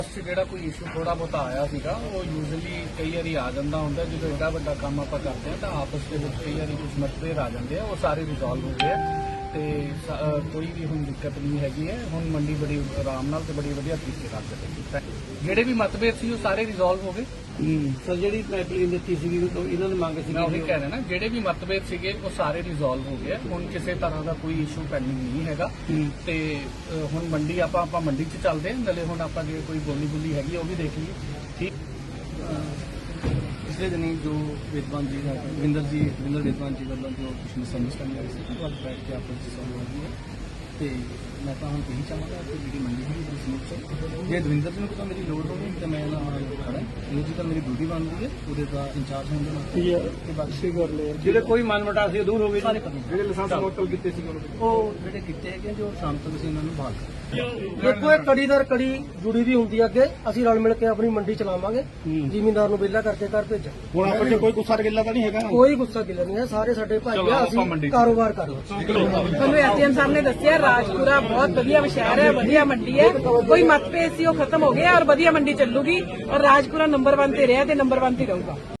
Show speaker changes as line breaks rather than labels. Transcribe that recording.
ਜਿਹੜਾ ਕੋਈ ਇਸ਼ੂ ਥੋੜਾ ਬਹੁਤਾ ਆਇਆ ਸੀਗਾ ਉਹ ਯੂਜ਼ਲੀ ਕਈ ਵਾਰੀ ਆ ਜਾਂਦਾ ਹੁੰਦਾ ਜਦੋਂ ਐਡਾ ਵੱਡਾ ਕੰਮ ਆਪਾਂ ਕਰਦੇ ਆ ਤਾਂ ਆਪਸ ਦੇ ਵਿੱਚ ਕਈ ਵਾਰੀ ਕੁਝ ਮਤਭੇਦ ਆ ਜਾਂਦੇ ਆ ਉਹ ਸਾਰੇ ਰਿਜ਼ੋਲਵ ਹੋ ਗਏ ਆ ਤੇ ਕੋਈ ਵੀ ਹੁਣ ਦਿੱਕਤ ਨਹੀਂ ਹੈਗੀ ਹੈ। ਹੁਣ ਮੰਡੀ ਬੜੀ ਆਰਾਮ ਨਾਲ ਤੇ ਬੜੀ ਵਧੀਆ ਤਰੀਕੇ ਨਾਲ ਚੱਲੇਗੀ। ਜਿਹੜੇ ਵੀ ਮਤਭੇਦ ਸੀ ਉਹ ਸਾਰੇ ਰਿਜ਼ੋਲਵ ਹੋ ਗਏ।
ਸਰ ਜਿਹੜੀ ਪਾਈਪਲਾਈਨ ਦਿੱਤੀ ਸੀਗੀ ਇਹਨਾਂ ਨੇ ਮੰਗ ਸੀ
ਮੈਂ ਉਹੀ ਕਹਿ ਰਿਹਾ ਨਾ ਜਿਹੜੇ ਵੀ ਮਤਭੇਦ ਸੀਗੇ ਉਹ ਸਾਰੇ ਰਿਜ਼ੋਲਵ ਹੋ ਗਏ। ਹੁਣ ਕਿਸੇ ਤਰ੍ਹਾਂ ਦਾ ਕੋਈ ਇਸ਼ੂ ਪੈਂਡਿੰਗ ਨਹੀਂ ਹੈਗਾ ਤੇ ਹੁਣ ਮੰਡੀ ਆਪਾਂ ਮੰਡੀ 'ਚ ਚੱਲਦੇ ਹਾਂ। ਨਾਲੇ ਹੁਣ ਆਪਾਂ ਜੇ ਕੋਈ ਬੋਲੀ ਹੈਗੀ ਉਹ ਵੀ ਦੇਖ ਲਈਏ। ਠੀਕ
ਪਿਛਲੇ ਦਿਨੀ ਜੋ ਵਿਦਵਾਨ ਜੀ ਵਿੰਦਰ ਵਿਦਵਾਨ ਜੀ ਵੱਲੋਂ ਜੋ ਕੁਝ ਮਿਸਅੰਡਰਸਟੈਂਡਿੰਗ ਆਈ ਸੀ ਉਹ ਅੱਜ ਬੈਠ ਕੇ ਆਪਸ ਵਿੱਚ ਸੋਲਵ ਹੋ ਗਈ ਹੈ ਤੇ ਮੈਂ ਤਾਂ ਹੁਣ ਇਹੀ ਚਾਹਾਂਗਾ ਕਿ ਜਿਹੜੀ ਮੰਡੀ ਹੈ ਉਹ ਸਮੂਥ ਚੱਲੇ। ਜੇ ਦਵਿੰਦਰ ਜੀ ਨੂੰ ਕੋਈ ਮੇਰੀ ਲੋੜ ਹੋਵੇ ਤਾਂ ਮੈਂ ਇਹਨਾਂ ਨਾਲ ਖੜਾ ਇਹ ਜੀ ਤਾਂ ਮੇਰੀ ਡਿਊਟੀ ਬਣਦੀ ਹੈ ਉਹਦੇ ਦਾ ਇੰਚਾਰਜ ਹੋਣ ਦੇ ਨਾਲ ਤੇ ਬਾਕੀ ਕਰ ਲਿਆ ਜਿਹੜੇ ਕੋਈ ਮਨਮਟਾ ਸੀ ਦੂਰ ਹੋ ਗਏ ਸਾਰੇ ਜਿਹੜੇ ਲਾਇਸੈਂਸ ਮੁਅੱਤਲ ਕੀਤੇ ਸੀ ਉਹ ਜਿਹੜੇ ਕੀਤੇ ਹੈਗੇ ਜੋ ਸ਼ਾਮ ਤੱਕ ਅਸੀਂ ਉਹਨਾਂ ਨੂੰ ਬਹਾਲ ਕਰਾਂਗੇ।
ਦੇਖੋ ਇਹ ਕੜੀ ਦਰ ਕੜੀ ਜੁੜੀ ਵੀ ਹੁੰਦੀ ਹੈ ਅੱਗੇ ਅਸੀਂ ਰਲ ਮਿਲ ਕੇ ਆਪਣੀ ਮੰਡੀ ਚਲਾਵਾਂਗੇ ਜ਼ਿਮੀਂਦਾਰ ਨੂੰ ਵਿਹਲਾ ਕਰਕੇ ਘਰ ਭੇਜਾਂ।
ਹੁਣ ਆਪਾਂ ਚ ਕੋਈ ਗੁੱਸਾ ਗਿੱਲਾ ਤਾਂ ਨਹੀਂ ਹੈਗਾ
ਕੋਈ ਗੁੱਸਾ ਗਿਲਾ ਨਹੀਂ ਹੈ ਸਾਰੇ ਸਾਡੇ ਭਾਈ ਆ ਅਸੀਂ ਕਾਰੋਬਾਰ ਕਰ ਲਓ।
ਤੁਹਾਨੂੰ ਐਸਡੀਐਮ ਸਾਹਿਬ ਨੇ ਦੱਸਿਆ ਰਾਜਪੁਰਾ ਬਹੁਤ ਵਧੀਆ ਸ਼ਹਿਰ ਹੈ ਵਧੀਆ ਮੰਡੀ ਹੈ ਕੋਈ ਮਤਭੇਦ ਸੀ ਉਹ ਖਤਮ ਹੋ ਗਿਆ ਔਰ ਵਧੀਆ ਮੰਡੀ ਚੱਲੂਗੀ ਔਰ ਰਾਜਪੁਰਾ ਨੰਬਰ 1 ਤੇ ਰਿਹਾ ਤੇ ਨੰਬਰ 1 ਤੇ ਰਹੂਗਾ।